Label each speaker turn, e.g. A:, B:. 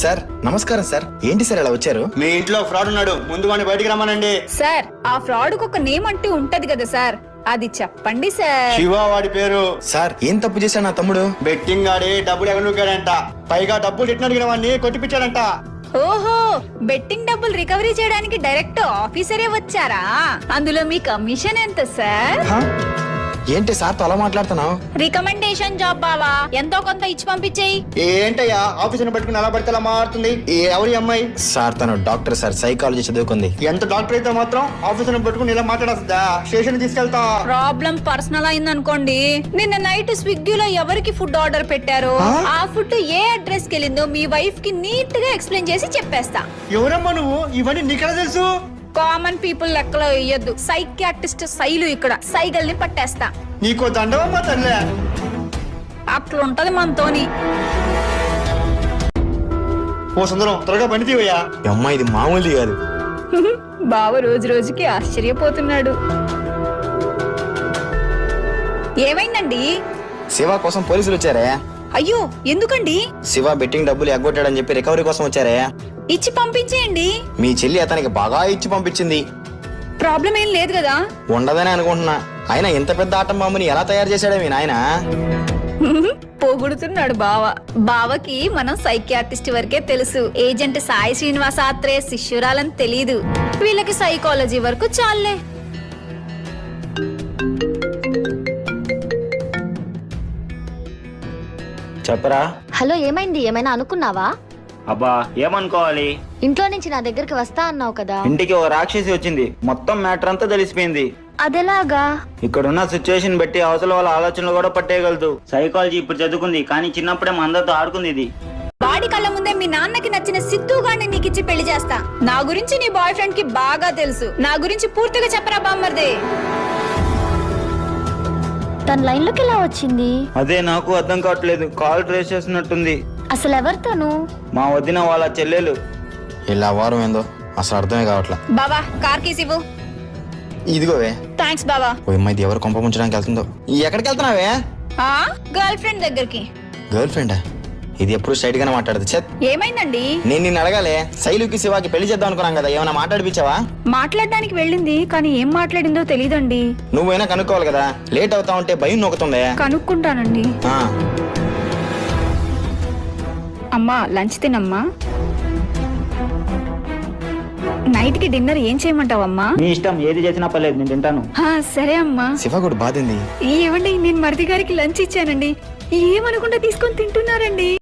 A: Sir నమస్కారం sir. ఏంటి sir ఇలా వచ్చారు?
B: మీ ఇంట్లో ఫ్రాడ్ ఉన్నాడు, ముందు వాడిని బయటికి రమ్మనండి.
C: సార్ ఆ ఫ్రాడ్ కు ఒక నేమ్ అంటూ ఉంటది కదా సార్, అది చెప్పండి సార్.
B: శివ వాడి పేరు.
A: సార్ ఏం తప్పు చేశాడు నా తమ్ముడు?
B: బెట్టింగ్ ఆడి డబ్బులు ఎగనుకాడంట, పైగా డబ్బులు ఇట్టిన అడిగిన వాడిని కొట్టిపించాడంట.
C: ఓహో, బెట్టింగ్ డబ్బులు రికవరీ చేయడానికి డైరెక్ట్ ఆఫీసరే వచ్చారా? అందులో మీ కమిషన్ ఎంత సార్?
A: హా? ఏంటి సార్ తో అలా మాట్లాడుతున్నావు?
C: రికమెండేషన్ జాబ్ బావా, ఎంతో కొంత ఇచ్చి పంపించేయి.
B: ఏంటయ్యా ఆఫీసుని పట్టుకుని అలా పడితే అలా మారుతుంది? ఎవరి అమ్మాయి?
A: సార్ తను డాక్టర్ సార్, సైకాలజీ చదువుకుంది.
B: ఎంత డాక్టర్ అయితే మాత్రం ఆఫీసుని పట్టుకుని ఇలా మాట్లాడొస్తుందా? స్టేషన్ తీసుకెళ్తా.
C: ప్రాబ్లం పర్సనల్ అయింది అనుకోండి. నిన్న నైట్ స్విగ్గీలో ఎవరికి ఫుడ్ ఆర్డర్ పెట్టారో ఆ ఫుడ్ ఏ అడ్రస్ కి వెళ్ళిందో మీ వైఫ్ కి నీట్ గా ఎక్స్ప్లెయిన్ చేసి చెప్పేస్తా.
B: ఎవరమ్మా నువ్వు? ఇవన్నీ నీకెలా తెలుసు?
C: కామన్ పీపుల్ లెక్కలో వేయద్దు, సైకియాట్రిస్ట్ శైలు ఇక్కడ సైగల్ని పట్టేస్తా.
B: నీకో దండవమ్మా తల్లే.
C: అట్లుంటది మనతోని.
B: ఓ సుందరం, త్వరగా పని తీవయ్యా.
A: అమ్మ ఇది మామూలుది కాదు.
C: బావ రోజు రోజుకి ఆశ్చర్యపోతున్నాడు. ఏమైందండి?
A: శివ కోసం పోలీసులు వచ్చారే.
C: అయ్యో ఎందుకండి?
A: శివ బెట్టింగ్ డబ్బులు ఎగ్గొట్టాడని చెప్పి రికవరీ కోసం వచ్చారే.
C: ఇచ్చి పంపించేయండి.
A: మీ చెల్లి అతనికి బాగా ఇచ్చి పంపించింది.
C: ప్రాబ్లం ఏం లేదు కదా?
A: ఉండదని అనుకుంటున్నా. అయినా ఇంత పెద్ద ఆటం బాంబుని ఎలా తయారు చేశాడే మీ నాయన?
C: పొగుడుతున్నాడు బావ. బావకి మనం సైకియాట్రిస్ట్ వరకే తెలుసు, ఏజెంట్ సాయి శ్రీనివాస ఆత్రేయ శిష్యురాలని తెలీదు. వీళ్ళకి సైకాలజీ వరకు చాలే.
A: చెప్పరా.
D: హలో, ఏమైంది? ఏమైనా అనుకున్నావా?
E: అబ్బా ఏమనుకోవాలి,
D: ఇంట్లో నుంచి నా దగ్గరికి వస్తా అన్నావు కదా.
E: ఇంటికి ఓ రాక్షసి వచ్చింది, మొత్తం మ్యాటర్ అంతా తెలిసిపోయింది.
D: అదెలాగా?
E: ఇక్కడున్న సిచ్యువేషన్ బట్టి అవతల వాళ్ళ ఆలోచనలు కూడా పట్టేయగలదు. సైకాలజీ ఇప్పుడు చదువుకుంది, కానీ చిన్నప్పుడే మా అందరితో ఆడుకుంది ఇది.
C: వాడి కళ్ళ ముందే మీ నాన్నకి నచ్చిన సిద్ధు గారిని నీకిచ్చి పెళ్లి చేస్తా. నా గురించి నీ బాయ్ ఫ్రెండ్ కి బాగా తెలుసు. నా గురించి పూర్తిగా చెప్పరా బామ్మర్దే.
D: తన లైన్ లోకి ఎలా వచ్చింది?
E: అదే నాకు అర్థం కావట్లేదు, కాల్ ట్రేస్ చేస్తున్నట్టుంది.
D: అసలు ఎవరితోను?
E: మా వదిన వాళ్ళ చెల్లెలు.
A: ఇలా వారం ఏందో అసలు అర్థమే కావట్లా.
C: బావా కార్ కీస్ ఇవ్వు.
A: ఇదిగోవే.
C: థ్యాంక్స్ బావా.
A: ఓ అమ్మాయి ఎవరు కొంప ముంచడానికి వెళ్తుందో. ఎక్కడికి వెళ్తున్నావే?
C: గర్ల్ ఫ్రెండ్ దగ్గరికి.
A: గర్ల్ ఫ్రెండా? ఇది ఎప్పుడు స్ట్రైట్ గానే మాట్లాడదు. చెత్
C: ఏమైందండి?
A: నేను నిన్ను అడగాలే, శైలుకి శివాకి పెళ్లి చేద్దాం అనుకున్నాం కదా, ఏమైనా మాట్లాడిపించావా?
C: మాట్లాడడానికి వెళ్ళింది, కానీ ఏం మాట్లాడిందో తెలీదండి.
A: నువ్వైనా కనుక్కోవాలి కదా, లేట్ అవుతా ఉంటే భయం నొక్కుతుందే.
C: కనుక్కుంటానండి. అమ్మా లంచ్ తినమ్మా. నైట్ కి డిన్నర్ ఏం చేయమంటావమ్మా?
E: మీ ఇష్టం, ఏది చేసినా పర్లేదు, నేను తింటాను.
C: సరే అమ్మా.
A: శివ కూడా బాధింది.
C: ఏమండి, నేను మరిది గారికి లంచ్ ఇచ్చానండి, ఏమనుకుంటా తీసుకొని తింటున్నారండి.